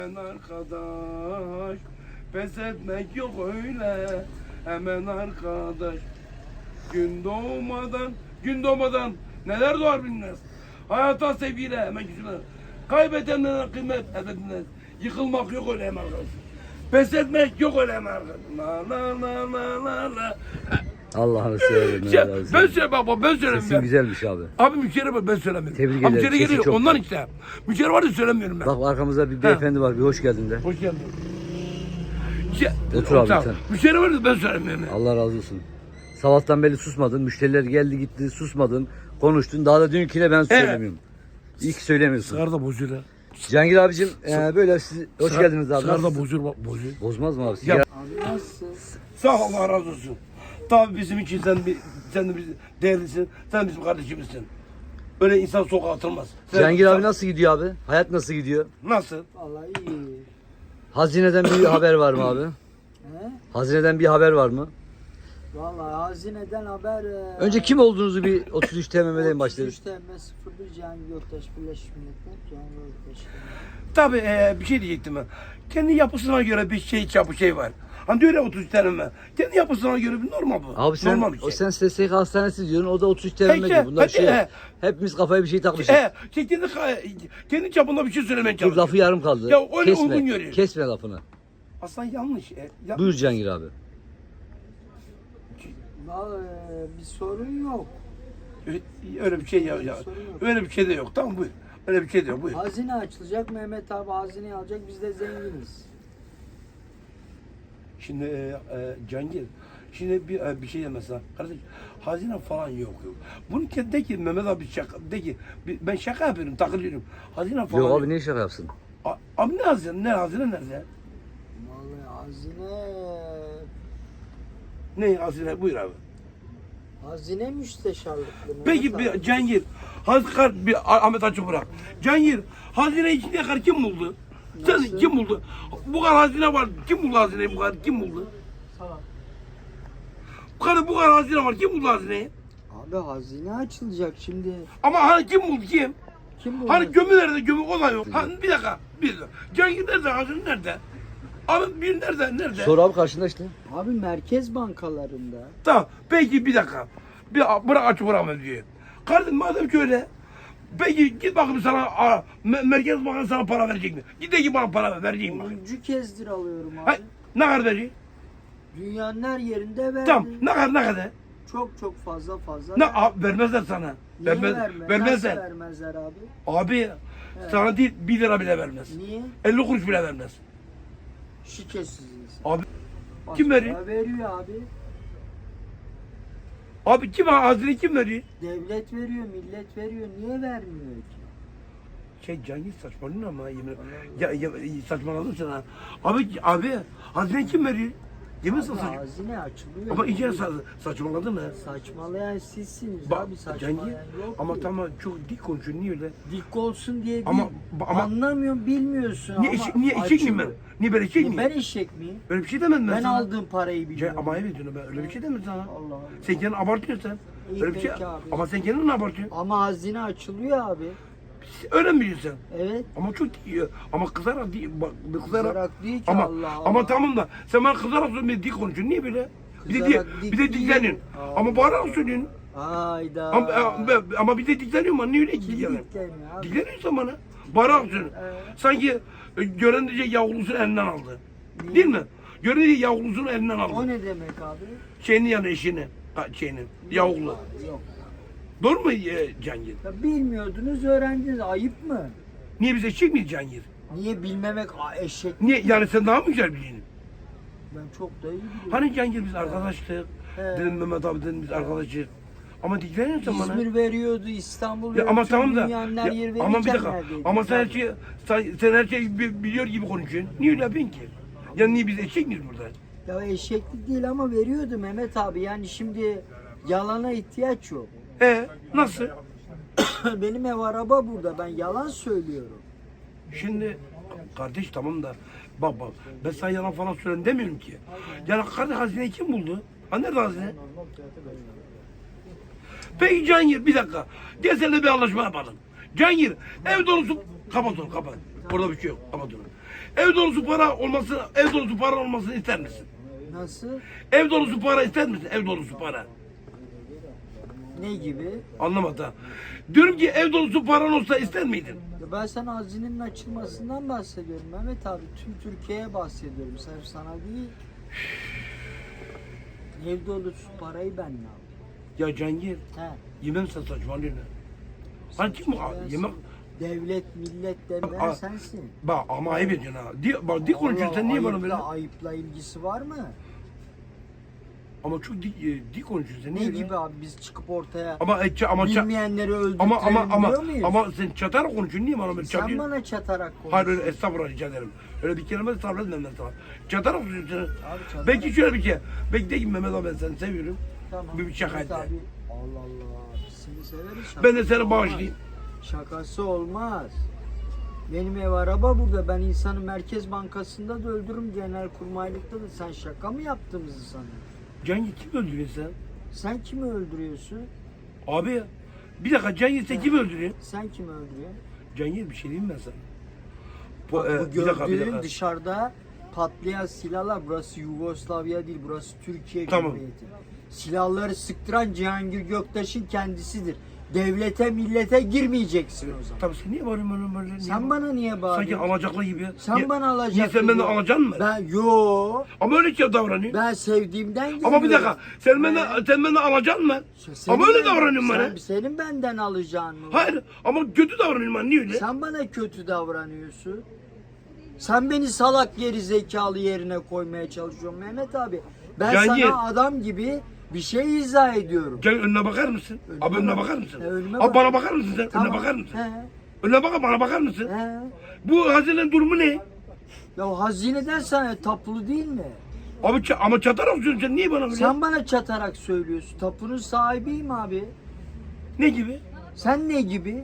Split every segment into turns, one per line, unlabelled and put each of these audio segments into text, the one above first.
Arkadaş, pes etmek yok öyle. Hemen arkadaş. Gün doğmadan neler doğar bilmez. Hayata sevgiyle hemen güçlenir. Kaybedenlere kıymet edilmez. Yıkılmak yok öyle hemen arkadaş. Pes etmek yok öyle hemen arkadaş. La.
Allah'ını severim.
Ben söyle baba, ben söylemiyorum.
Sesin güzelmiş abi.
Abi müşteri var, ben söylemiyorum.
Tebrik
Abi
ederim.
müşteri
Sesi
geliyor
çok
ondan
güzel.
işte. Müşteri var da söylemiyorum ben.
Bak arkamızda bir beyefendi var. Bir hoş geldin de.
Hoş geldin.
Otur abi
Tamam.
sen.
Müşteri var da ben söylemiyorum.
Allah razı olsun. Sabahtan beri susmadın. Müşteriler geldi gitti susmadın. Konuştun. Daha da diyorsun ki ne ben söylemiyorum. İyi ki söylemiyorsun.
Sigara da bozuyor ha.
Cihangir abicim böyle siz hoş geldiniz abi.
Sigara da bozuyor, bozuyor.
Bozmaz mı abi?
Ya,
Abi nasılsın?
sağ ol, Allah razı olsun. Tabii bizim için sen de bizim değerlisin. Sen bizim kardeşimizsin. Öyle insan sokağa atılmaz.
Cihangir abi nasıl gidiyor abi? Hayat nasıl gidiyor?
Nasıl?
Vallahi iyi.
Hazineden bir haber var mı abi?
He?
Hazineden bir haber var mı?
Vallahi hazineden haber...
Önce kim olduğunuzu bir 33 TMM'den başlayalım.
33 TM 01 Cihangir Göktaş Birleşmiş Milletler Cihangir Göktaş.
Tabii bir şey diyecektim ben. Kendi yapısına göre bir şey var. Hani diyor ya 33 tane mi? Kendi yapısına göre bir normal bu.
Abi sen,
normal bir şey.
o sen SSK hastanesi diyorsun, o da 33 TMM
Peki,
diyor. Bunlar
hadi,
şey, hepimiz kafaya bir şey takmışız.
Kendi çapında bir şey söylemeye
Dur
çalışıyor.
lafı yarım kaldı.
Ya öyle uygun görüyor.
Kesme lafını.
Aslında yanlış.
Buyur Cihangir abi.
Vallahi bir sorun yok.
Öyle bir şey ya. Öyle bir şey de yok. Tamam buyur. Öyle bir şey de yok. Buyur.
Hazine açılacak, Mehmet abi hazineyi alacak, biz de zenginiz.
Şimdi Cihangir, şimdi bir şey mesela kardeş, hazine falan yok. Bunu de ki Mehmet abi şaka, de ki ben şaka yapıyorum, takılıyorum. Hazine falan
Yok abi ne şaka yapsın?
Abi ne hazine? Ne hazine nerede?
Vallahi hazine...
Ne hazine? Buyur abi.
Hazine müsteşarlıklı.
Peki
Mehmet abi.
bir Cihangir, Ahmet açık bırak. Cihangir, hazine içine kadar kim buldu?
Nasıl?
Sen kim buldu? Bu kadar hazine var. Kim buldu hazineyi bu kadar? Kim buldu? Bu kadar hazine var. Kim buldu hazineyi?
Abi hazine açılacak şimdi.
Ama hani kim buldu kim?
Kim bu?
Hani gömü nerede? Gömü o da yok. Hani bir dakika. Cihangir nerede? Hazine nerede? Abi bir nerede?
Sor abi karşında işte.
Abi merkez bankalarında.
Tamam. Peki bir dakika. Bırak açık bırakma diyor. Kardeşim madem ki öyle. Peki git bakayım sana Merkez Bankası sana para verecek mi? Git de ki bana para verecek mi?
10. kezdir alıyorum abi.
Hay, ne kadar verecek?
Dünyanın her yerinde verdi.
Tamam. Ne kadar?
Çok fazla.
Ne vermezler sana.
Niye
Vermezler.
Nasıl vermezler abi?
Abi sana değil 1 lira bile vermez.
Niye?
50 kuruş bile vermez.
Şirketsiz insan.
Abi
Başka
kim veriyor?
Veriyor abi.
Abi hazine kim veriyor?
Devlet veriyor, millet veriyor. Niye vermiyor ki?
Cihangir saçmalıyorsun ama yemin ya saçmaladın sen ha. Abi hazine kim veriyor? Yemin sana saçma.
Hazine açılıyor.
Ama iyice saçmaladın ha.
Saçmalayan sizsiniz
Bak
abi.
Cihangir
Saçmalayan yok
ama
ki.
tamam çok dik konuşuyorsun niye öyle?
Dik olsun diye değil.
Ama-
Anlamıyorsun, bilmiyorsun
Niye
ama
eşek miyim ben?
açılıyor.
Niye ben eşek miyim?
Ben eşek miyim?
Öyle bir şey demedim ben
Ben
sana.
aldığım parayı biliyorum.
Ama evet diyorum ben öyle bir şey demedim sana.
Allah Allah.
Sen kendini abartıyorsun sen.
İyi,
Öyle bir şey
peki abi.
ama sen kendini abartıyorsun.
Ama hazine açılıyor abi.
Öyle mi biliyorsun sen?
Evet.
Ama çok iyi. Ama kızarak değil. Bak
Kızarak değil ki
ama,
Allah Allah.
Ama tamam da sen bana kızarak söylüyorsun dik konuşuyorsun. Niye böyle?
Kızarak
Bir de
dik
dikleniyorsun.
değil.
Ama bağırarak söylüyorsun.
Hayda.
Ama bir de dikleniyorsun bana. Niye öyle
Kim
dikleniyorsun?
dikleniyor abi?
Dikleniyorsun bana. Bağırarak söylüyorsun.
Evet.
Sanki gören diyecek yavrulusunu elinden aldı.
Niye?
Değil mi? Gören diyecek yavrulusunu elinden
O
aldı.
ne demek abi?
Şeyinin yanı eşini. Yavrulu.
Yok.
Doğru mu Cihangir?
Ya bilmiyordunuz, öğrendiniz. Ayıp mı?
Niye biz eşek miyiz Cihangir?
Niye bilmemek eşek?
Niye? Yani sen daha mı güzel biliyorsun?
Ben çok da iyi biliyorum.
Hani Cihangir biz arkadaştık.
He.
Dedim Mehmet abi dedim biz arkadaşız. Ama dikleniyorsun bana.
İzmir veriyordu, İstanbul
Ya
veriyordu.
ama
tüm
tamam da.
dünyanın her yeri
Ama bir
verirken
dakika.
neredeydin
Ama sen her
abi?
şeyi sen her şeyi biliyor gibi konuşuyorsun. Niye öyle yapıyorsun ki? Ya niye biz eşek miyiz burada?
Ya eşeklik değil ama veriyordu Mehmet abi. Yani şimdi yalana ihtiyaç yok.
Nasıl?
Benim ev araba burada. Ben yalan söylüyorum.
Şimdi kardeş tamam da bak ben sana yalan falan söylüyorum demiyorum ki. Yani kardeş hazineyi kim buldu? Ha nerede hazine? Peki Cihangir bir dakika. Gel seninle bir anlaşma yapalım. Cihangir ev dolusu kapat onu kapat. Orada bir şey yok kapat onu. Ev dolusu para olmasını ister misin?
Nasıl?
Ev dolusu para ister misin? Ev dolusu para.
Ne gibi?
Anlamadı ha. Diyorum ki ev dolusu paran olsa ister miydin?
Ya ben sana hazinenin açılmasından bahsediyorum Mehmet abi. Tüm Türkiye'ye bahsediyorum. Sırf sana değil. Ev dolusu parayı ben ne yapayım?
Ya Cengir,
He.
yemem sen saçmalıyorsun. Hani kim bu? Yemek...
Devlet, millet
Aa,
demeyen sensin.
Bak ama ayıp ediyorsun ha. Bak dik konuşuyorsun sen niye bana böyle?
Ayıpla ilgisi var mı?
Ama çok dik konuşuyorsun sen
Ne
niye
gibi
böyle?
abi biz çıkıp ortaya
Ama
bilmeyenleri öldürtelim diyor muyuz?
ama sen çatarak konuşuyorsun niye bana böyle
Sen
çatıyorsun?
bana çatarak konuş.
Hayır öyle estağfurullah rica ederim. Öyle bir kelime de sarf etmem ben sana. Çatarak konuşuyorsun.
Abi çatarak-
Belki şöyle bir şey. Belki de ki Mehmet abi ben seni seviyorum.
Tamam.
Bir şaka
Mehmet
et.
abi, Allah Allah. Biz seni severiz.
Ben de seni
şakası
bağışlayayım.
olmaz. Şakası olmaz. Benim ev araba burada. Ben insanı Merkez Bankası'nda da öldürürüm. Genelkurmaylıkta da. Sen şaka mı yaptığımızı sanıyorsun?
Cengiz kim öldürüyor sen?
Sen kimi öldürüyorsun?
Abi ya. Bir dakika Cengiz sen kim öldürüyor?
Sen kimi öldürüyorsun?
Cengiz bir şey diyeyim ben sana.
Bak, bu
Bir dakika, bir
gördüğün
dakika.
dışarıda patlayan silahlar. Burası Yugoslavya değil. Burası Türkiye
Tamam.
Cumhuriyeti. Silahları sıktıran Cihangir Göktaş'ın kendisidir. Devlete millete girmeyeceksin o zaman.
Tabii sen niye bağırıyorsun böyle?
Sen bana niye
Sanki
bağırıyorsun?
alacaklı gibi.
Sen bana alacak.
Niye sen benden alacaksın mı?
Ben yo.
Ama öyle ki davranıyor.
Ben sevdiğimden geliyorum.
Ama bir dakika sen benden alacaksın mı?
Senin
Ama öyle
benden-
davranıyorsun bana.
Senin benden alacağın mı?
Hayır ama kötü davranıyorum ben niye öyle?
Sen bana kötü davranıyorsun. Sen beni salak geri zekalı yerine koymaya çalışıyorsun Mehmet abi. Ben
Cengir.
sana adam gibi bir şey izah ediyorum.
Gel önüne bakar mısın?
Önüme
Abi önüne
bak.
bakar mısın?
Önüme
Abi
bak.
bana bakar mısın sen?
Tamam.
Önüne bakar mısın?
He,
Önüne bak bana bakar mısın?
he.
Bu hazinenin durumu ne?
Ya hazineden sana tapulu değil mi?
Abi ama çatarak söylüyorsun sen niye bana böyle?
Sen bana çatarak söylüyorsun. Tapunun sahibiyim abi.
Ne gibi?
Sen ne gibi?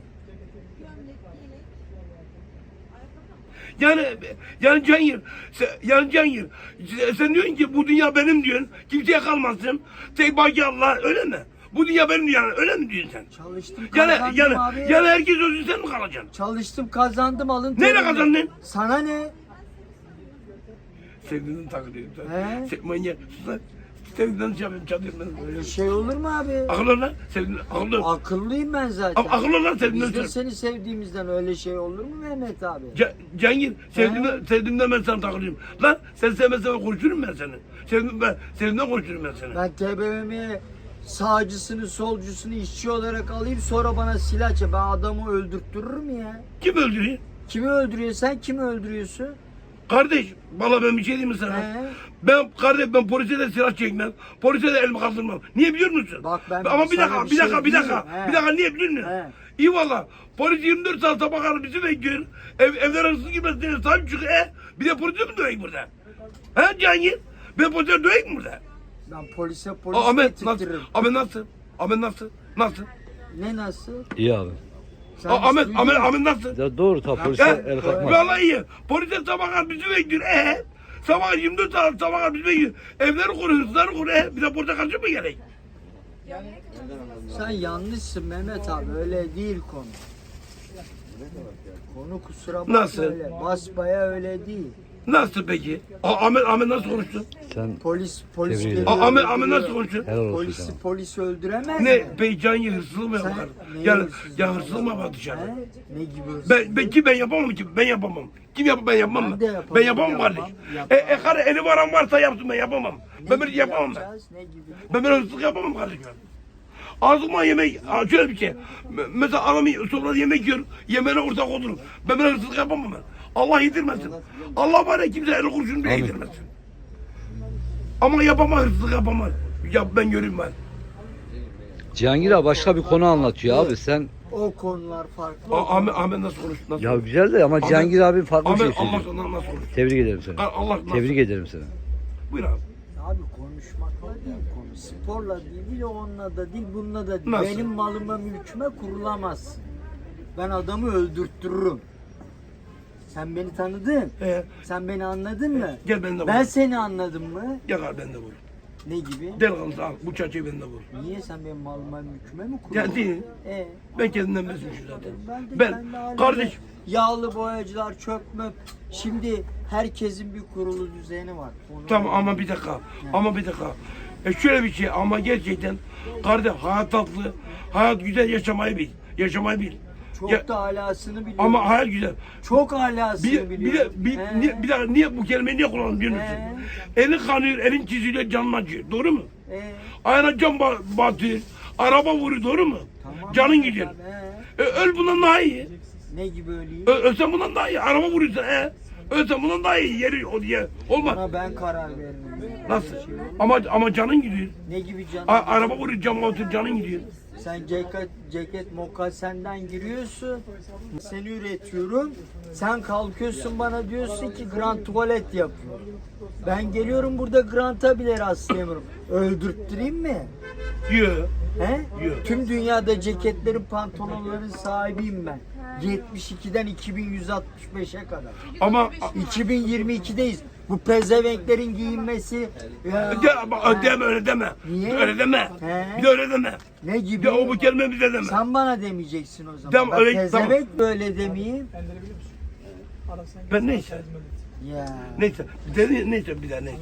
Yani Cengir sen diyorsun ki bu dünya benim diyorsun. Kimseye kalmasın. Tek baki Allah öyle mi? Bu dünya benim yani öyle mi diyorsun sen?
Çalıştım
Yani
kazandım abi.
herkes özün sen mi kalacaksın?
Çalıştım kazandım alın.
Neyle
terimle.
kazandın?
Sana ne?
Sevdiğini takılıyor.
He?
Manyak. Sus lan. Sevdiğinden şey yapıyorum çatıyorum ben.
Öyle şey olur mu abi?
Akıllı lan. Sevdiğinden akıllı.
Akıllıyım ben zaten.
Akıllı lan sevdiğinden
Biz de
şey.
seni sevdiğimizden öyle şey olur mu Mehmet abi?
Cengir sevdiğimden ben sana takılıyorum. Lan sen sevmezsen ben konuşurum ben seni. Sevdiğimden konuşurum ben seni.
Ben TBMM'ye sağcısını solcusunu işçi olarak alayım sonra bana silah çek. Ben adamı öldürttürürüm ya.
Kim öldürüyor?
Kimi öldürüyor sen kimi öldürüyorsun?
Kardeş, valla ben bir şey diyeyim mi sana?
He?
Ben polise de silah çekmem. Polise de elimi kaldırmam. Niye biliyor musun?
Bak ben
Ama bir
sana
dakika,
bir
bir
şey
dakika, bir
diyeyim
dakika.
mi? He.
Bir dakika niye biliyor musun?
He.
İyi valla. Polis 24 saat sabah kadar bizi bekliyor. Evler hırsız girmez diye sahip çıkıyor. Bir de polise mi döveyim burada? He Cengir? Ben polise döveyim mi burada?
Ben polise polis
Ahmet nasıl?
getirtirim.
Ahmet nasıl? Ahmet nasıl? Nasıl?
Ne nasıl?
İyi abi.
Sen
Ahmet
hiç duydun mu?
nasıl?
Ya doğru ta polise
Ya,
el kalkmaz.
vallahi iyi. Polise sabah kadar bizi bekliyor. Sabah 24 saat sabah kadar bizi bekliyor. Evleri koruyor, hırsızları koruyor. Bir de polise karşı mı gerek?
Sen yanlışsın Mehmet abi öyle değil konu. Konu kusura bakma
Nasıl?
öyle. Basbaya öyle değil.
Nasıl peki? Ahmet nasıl konuştu?
Sen
Polis
Tebrik
geliyor,
ederim.
Ahmet nasıl
öldürüyor.
konuştu?
helal olsun
Polisi
sana.
polis öldüremez
Ne?
mi?
Beycan hırsızlık mı
Sen
yapar?
neyi
Ya
hırsızlık
hırsızlık mı yapar dışarıda?
He? Ne gibi hırsızlık?
Ben yapamam ki. Ben yapamam. Kim yapar ben yapmam
Ben
mı?
de yapamam,
Ben yapamam
yapmam,
kardeş.
yapmam.
Karı eli varan varsa yapsın ben yapamam.
Ne
Ben böyle
gibi
yapamam ben.
yapacağız, ne gibi?
Ben böyle hırsızlık yapamam kardeşim. Ağzıma yemek, şöyle bir şey. Mesela adam sofrada yemek yiyor, yemeğine ortak olurum. Ben böyle hırsızlık yapamam ben. Allah yedirmesin. Allah var ya kimse eli kurşunu bile
Amin.
yedirmesin. Ama yapamam hırsızlık yapamam. Ya ben göreyim ben.
Cihangir abi başka bir konu anlatıyor abi sen.
O konular farklı.
Ahmet nasıl konuştu? Nasıl
Ya güzel de ama Cihangir abi farklı bir şey
Ahmet Allah
söylüyor.
sana nasıl konuştu?
Tebrik ederim seni.
Allah nasıl?
Tebrik ederim seni.
Buyur abi.
Abi konuşmakla değil konu. Sporla değil, onunla da değil, bununla da değil.
Nasıl?
Benim malıma mülküme kurulamazsın. Ben adamı öldürttürürüm. Sen beni tanıdın.
He.
Sen beni anladın mı?
Gel ben de
Ben
vur.
seni anladım mı?
Gel abi ben de vur.
Ne gibi?
Delikanlı al bu çerçevende vur.
Niye sen benim malıma mülküme mi
Ya
kuruyorsun?
değil.
E,
Ben kendimden mesutmuşum zaten.
ben
Ben
hala
kardeş
yağlı boyacılar, çöp möp. Şimdi herkesin bir kurulu düzeni var. Onu-
tamam ama bir dakika. Ama bir dakika. Şöyle bir şey ama gerçekten kardeş hayat tatlı. Hayat güzel yaşamayı bil. Yaşamayı bil.
Çok
Ya-
da alasını biliyorum.
Ama hayat güzel.
Çok alasını
Bir de
biliyorum.
bir daha niye bu kelimeyi niye kullandın biliyor musun? Elin kanıyor, elin çiziliyor, canın acıyor. Doğru mu? Ayağına cam batıyor, araba vuruyor. Doğru mu?
Tamam.
Canın gidiyor. Öl bundan daha iyi.
Ne gibi öleyim?
Ölsen bundan daha iyi. Araba vuruyorsun. Ölsen bundan daha iyi. Yeri o diye. Olmaz.
Ona ben karar veririm.
Nasıl? Ama canın gidiyor.
Ne gibi canım?
Araba vuruyor, cam batıyor, canın gidiyor.
Sen ceket mokasenden giriyorsun. Seni üretiyorum. Sen kalkıyorsun bana diyorsun ki grand tuvalet yapıyor. Ben geliyorum burada granta bile rastlayamıyorum. Öldürttüreyim mi?
Diyor.
He?
Yok.
Tüm dünyada ceketlerin, pantolonların sahibiyim ben. 72'den 2165'e kadar.
Ama
2022'deyiz. Bu pezevenklerin giyinmesi
deme öyle deme.
Niye?
Öyle deme.
He?
Bir de öyle deme.
ne gibi?
Ya o bu kelime bize deme.
Sen bana demeyeceksin o zaman.
Tamam,
Ben
öyle-
pezevenk böyle demeyeyim.
Ben neyse.
Ya.
Neyse. Neyse bir daha neyse.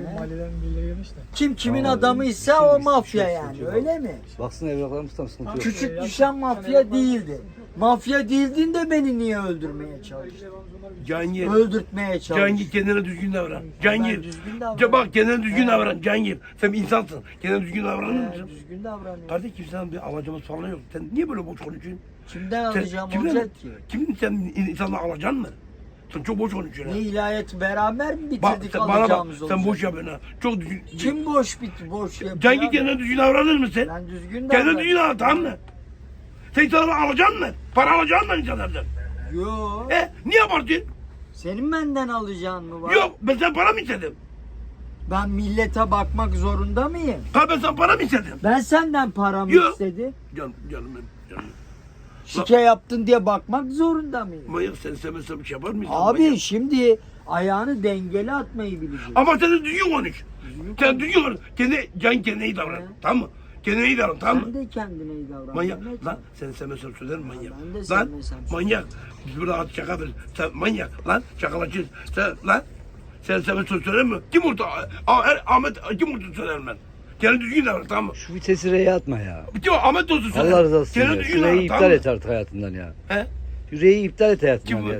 Kim kimin adamıysa o mafya yani öyle mi?
Baksana evraklarımız tam sıkıntı yok.
Küçük düşen mafya değildi. Mafya değildin de beni niye öldürmeye çalıştın?
Cangir.
Öldürtmeye çalıştın.
Cangir kendine düzgün davran.
Ben
Cangir.
düzgün davranıyorum.
Bak kendine düzgün davran. Cangir. Sen bir insansın. Kendine düzgün davranır mısın?
Düzgün davranıyorum.
Kardeş kimsenin bir alacağımız falan yok. Sen niye böyle boş konuşuyorsun?
Kimden
Sen,
alacağım
kimden-
olacak ki?
Kimin sen insanla alacaksın mı? Sen çok boş konuşuyorsun.
Ne
ha.
ilahiyatı beraber mi
Bak
bitirdik
sen bana bak.
alacağımız
Sen
olacak?
boş yapıyorsun ha. Çok düzgün.
Kim boş yapıyor?
Cangir
abi?
kendine düzgün davranır mısın?
Ben düzgün
Kendine
davranıyorum.
düzgün davran tamam mı? Sen insanları alacaksın mı? Para alacaksın mı insanlardan?
Yok.
Niye abartıyorsun?
Senin benden alacağın mı var?
Yok ben sen para mı istedim?
Ben millete bakmak zorunda mıyım?
Ben sen para mı istedim?
Ben senden paramı
Yok.
istedim.
Canım benim. Canım.
Şike yaptın diye bakmak zorunda mıyım?
Manyak sen istemezsen bir şey yapar mısın?
Abi
Manyak.
şimdi ayağını dengeli atmayı bileceksin.
Ama sen de düzgün konuş. Sen düzgün konuş. Kendine iyi davran.
He.
Tamam mı? Kendine iyi davran tamam mı?
Sen de kendine iyi davran.
Manyak.
Mehmet.
Lan sen istemezsen söylerim manyak.
Ben de
Lan
sevmesem
manyak. Biz burada at şaka ver. Sen manyak. Lan şakalaşıyorsun. Sen lan. Sen istemezsen söyler mi? Kim vurdu? Ahmet kim vurdu söylerim ben. Kendine düzgün davran tamam mı?
Şu vitesi R'ye atma ya.
Bitti o Ahmet olsun söylerim.
Allah rızası için
Kendine
ya.
düzgün
Şu R'yi
davran
iptal
tamam mı?
et artık hayatından ya.
He?
Şu R'yi iptal et hayatından
Kim bu?
ya.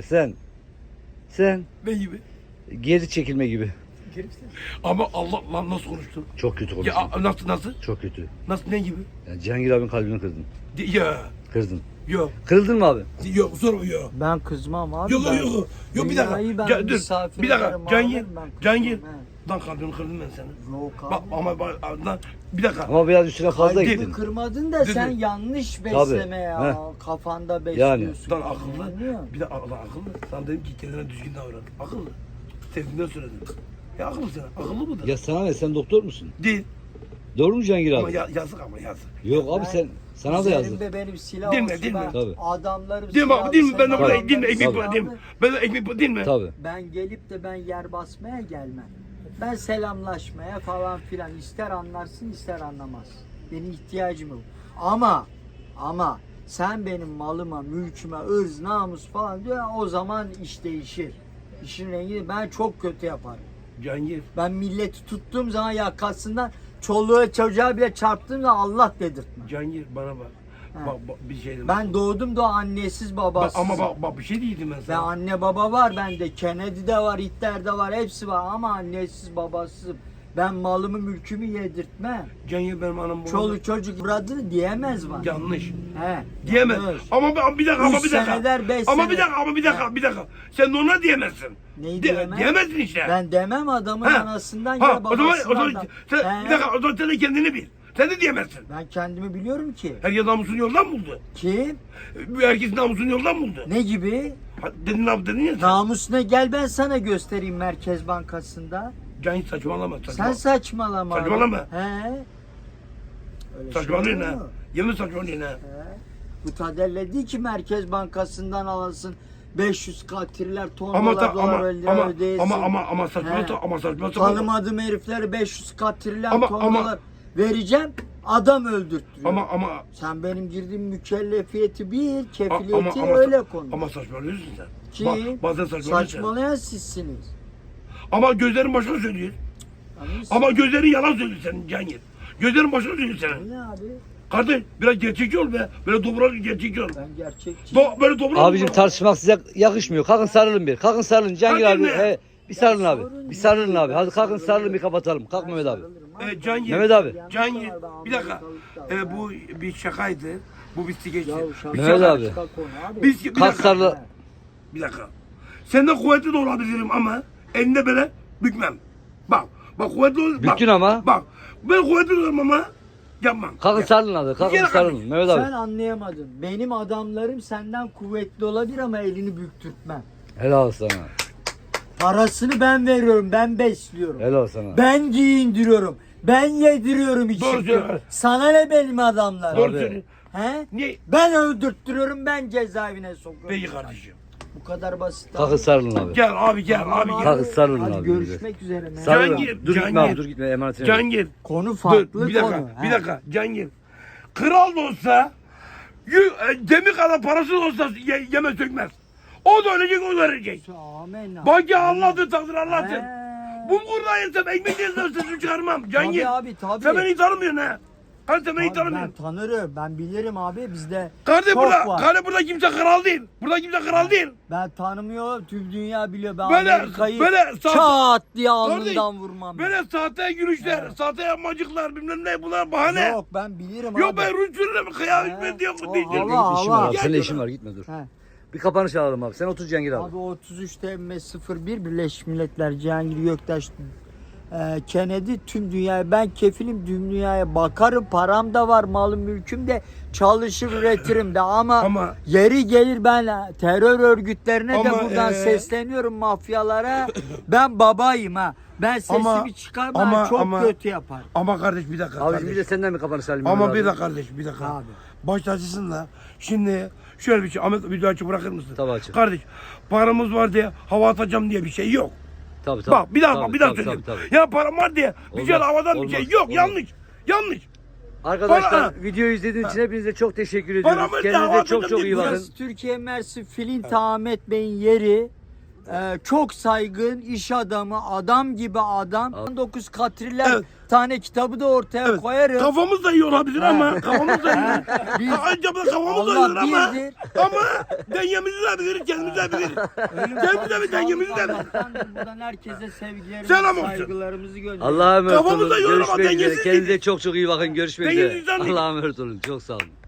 Sen
Ne gibi?
geri çekilme gibi.
Ama Allah lan nasıl konuştun?
Çok kötü konuştun.
Ya nasıl?
Çok kötü.
Nasıl ne gibi?
Yani Cihangir abinin kalbini kırdın.
Ya
Kırdın.
yok.
Kırıldın mı abi?
Yok sorma yok.
Ben kızmam abi.
Yok
ben
yok yok. Yok bir dakika.
dünyayı ben
Dur.
misafir
Bir dakika.
ederim,
Cangir.
alırım ben kızmam,
Cangir.
he.
Lan kalbimi kırdım ben seni.
Yok abi.
Bak ama bak lan bir dakika.
Ama biraz üstüne fazla
Kalbimi
gittin.
kırmadın da
Dur,
sen
dur.
yanlış besleme ya.
Heh.
Kafanda besliyorsun.
Lan akıllı.
Anlıyor?
Bir de akıllı. Sana dedim ki kendine düzgün davran. Akıllı. Sevdiğinden söyledim. Ya akıllı sana. Akıllı mı da?
Ya sana ne? Sen doktor musun?
Değil.
Doğru mu Cihangir
Ama
abi?
yazık ama yazık.
Yok abi
Ben-
sen sana da yazdı.
Üzerimde benim silah
Değil mi,
olsun,
değil mi?
ben
Tabii.
adamlarım
Değil mi abi? Değil mi? Ben de
silahlı,
burada
sen
değil mi? Ekmek
adamların
bu değil mi?
silahlı.
Ben de ekmek bu değil mi?
Tabii.
Ben gelip de ben yer basmaya gelmem. Ben selamlaşmaya falan filan ister anlarsın ister anlamaz. Benim ihtiyacım yok. Ama sen benim malıma, mülküme, ırz, namus falan diyor o zaman iş değişir. İşin rengi ben çok kötü yaparım.
Cangir.
Ben milleti tuttuğum zaman yakasından çoluğa çocuğa bile çarptığım zaman Allah dedirtme.
Cangir bana bak.
He.
Bak bir şey dedim.
Ben doğdum da annesiz babasız.
Ama bak bir şey değildim ben
Ve
sana.
anne baba var bende. Kennedy'de var, Hitler'de var, hepsi var ama annesiz babasızım. Ben malımı mülkümü yedirtmem.
Cangir benim anam babam.
Çoluk çocuk bıradı diyemez var.
Yanlış.
He.
Diyemez.
yanlış.
Ama bir dakika,
Üç seneler, beş
Ama
sene.
bir dakika. Sen de ona diyemezsin.
Neyi diyemem?
Diyemezsin işte.
Ben demem adamın
Ha.
anasından
Ha,
ya
o zaman
babasından.
sen, bir dakika, o zaman sen de kendini bil. Sen de diyemezsin.
Ben kendimi biliyorum ki.
Herkes namusunu yoldan buldu.
Kim?
Herkes namusunu yoldan buldu.
Ne gibi?
Dedin ya sen.
Namus ne? Gel ben sana göstereyim Merkez Bankası'nda.
Cahil saçmalama.
Sen saçmalama. abi.
Saçmalama.
He. Öyle
Saçmalıyorsun
şey
ha.
olur mu?
Yemin saçmalıyorsun ha.
He. Bu Tadelle değil ki Merkez Bankası'ndan alasın. 500 katriller
Ama
tonlar dolar ödeyesin.
ama saçma
He.
ama saçma.
Tanımadığım heriflere 500 katriller
Ama-
ton
ama-
dolar vereceğim. Adam öldürttürüyor.
Ama
Sen benim girdiğim mükellefiyeti bil, kefiliyeti öyle konuş.
Ama saçmalıyorsun sen.
Ki
Bazen saçmalıyorsun.
saçmalayan sizsiniz.
Ama gözlerin başına söylüyor. Ama gözlerin yalan söylüyor senin Cihangir. Gözlerin başına söylüyor senin.
Ne abi?
Kardeş biraz gerçekçi ol be. Böyle dobra gerçekçi ol.
Ben gerçekçiyim.
Böyle dobra
Abicim tartışmak size yakışmıyor. Kalkın sarılın bir. Kalkın sarılın. Cihangir
Kalkın
abi.
be.
Bir sarılın abi.
sorun
Bir
yok.
sarılın abi. Hadi
Ben
kalkın sarılın
sarılırım.
bir kapatalım. Kalk Mehmet abi.
Cihangir.
Mehmet abi.
Cihangir. Bir dakika. Bu bir şakaydı. Bu bir skeçti. Bir
Mehmet
şaka.
abi.
Bir
Kalk
dakika.
sarıl.
Bir dakika. Senden kuvvetli de olabilirim ama elinde böyle bükmem. Bak kuvvetli ol.
Büktün ama.
Bak ben kuvvetli olurum ama yapmam.
Kalkın
Yap.
sarılın hadi. Kalkın
Gel
sarılın.
kardeşim.
Mehmet abi.
Sen anlayamadın. Benim adamlarım senden kuvvetli olabilir ama elini büktürtmem.
Helal sana.
Parasını ben veriyorum, ben besliyorum.
Helal sana.
Ben giyindiriyorum. Ben yediriyorum içiriyorum.
söylüyorsun.
Sana ne benim adamlarım?
Doğru
Abi.
söylüyorsun.
He?
Niye?
Ben öldürttürüyorum, ben cezaevine sokuyorum.
Peki kardeşim.
Bu kadar basit.
Kalkın sarılın abi.
Gel abi gel abi gel.
Kalk, sarılın
Hadi
abi.
görüşmek üzere.
Sarılın.
Cihangir,
Dur gitme
Cihangir.
abi. Dur gitme. Emanetine.
Cihangir.
Konu
Dur
farklı
bir dakika.
konu.
Bir
He.
dakika Cihangir. Kral da olsa demir kadar parası da olsa yeme sökmez. O da ölecek o da ölecek.
Amenna.
Bak ya Allah'tır takdir Allah'tır.
He.
Bulgurda yesem ekmek yesem sesini çıkarmam. Cihangir.
Tabii abi, tabii.
Sen beni tanımıyorsun ha. Kardeş sen beni
Abi ben
tanımıyorsun.
tanırım. Ben bilirim abi. Bizde
Kardeş
çok var.
burada kimse kral değil. Burada kimse kral değil.
Ben tanımıyorum. Tüm dünya biliyor. Ben
Böyle-
Amerika'yı
böyle
çat diye
Kardeş,
alnından vurmam.
Böyle sahte gülüşler, sahte yapmacıklar bilmem ne bunlar bahane.
Yok ben bilirim abi.
Yok ben Rus sürüyorum kıyamet hikmet yok
O
diyeceğim.
hava.
İşim var abi.
Gel
Senin de
şuna.
işin var. Gitme dur.
He.
Bir kapanış alalım abi. Sen otur Cihangir abi.
Abi 33 TM01 Birleşmiş Milletler Cihangir Göktaş Kennedy tüm dünyaya ben kefilim, tüm dünyaya bakarım, param da var, malım mülküm de, çalışır üretirim de ama yeri gelir ben terör örgütlerine de
Ama,
buradan sesleniyorum, mafyalara. Ben babayım ha. Ben sesimi çıkarmam, çok kötü yapar.
Ama kardeş bir dakika
Abi
kardeş.
bir de senden mi kapanış alayım?
Ama
Mehmet
bir
abi?
dakika kardeş bir dakika.
Abi.
Baş tacısın da şimdi şöyle bir şey Ahmet video açık bırakır mısın?
Tabii açık.
Kardeş paramız var diye hava atacağım diye bir şey yok.
Tabii tabii.
Bak bir daha
Tabii,
bir daha
tabii,
söyleyeyim.
tabii, tabii.
Ya param var diye bir şey
Olmaz,
havadan bir
olmaz,
şey yok
olmaz.
yanlış.
Arkadaşlar
Para-
videoyu izlediğiniz için hepinize çok teşekkür
Paramı
ediyoruz.
da
Kendinize
havada
çok çok iyi
bir-
bakın.
Burası Türkiye Mersin Filint Ahmet Bey'in yeri. Çok saygın iş adamı, adam gibi adam. 19 katriller
Evet.
tane kitabı da ortaya koyarım.
Kafamız da iyi olabilir ama kafamız da iyi.
Biz-
Acaba kafamız da
Allah
iyi ama
birdir.
dengemizi de biliriz kendimizi de biliriz. Kendimizi de dengemizi de biliriz.
Allah'tan da buradan herkese sevgilerimizi,
Selam olsun.
saygılarımızı gönderiyoruz.
Allah'a emanet
Kafamızda
olun.
yorum ama
Görüşmek üzere.
dengesiz
Kendinize
değiliz.
çok çok iyi bakın. Görüşmek
Dengesiz
üzere.
insan değiliz.
Allah'a emanet olun. Çok sağ olun.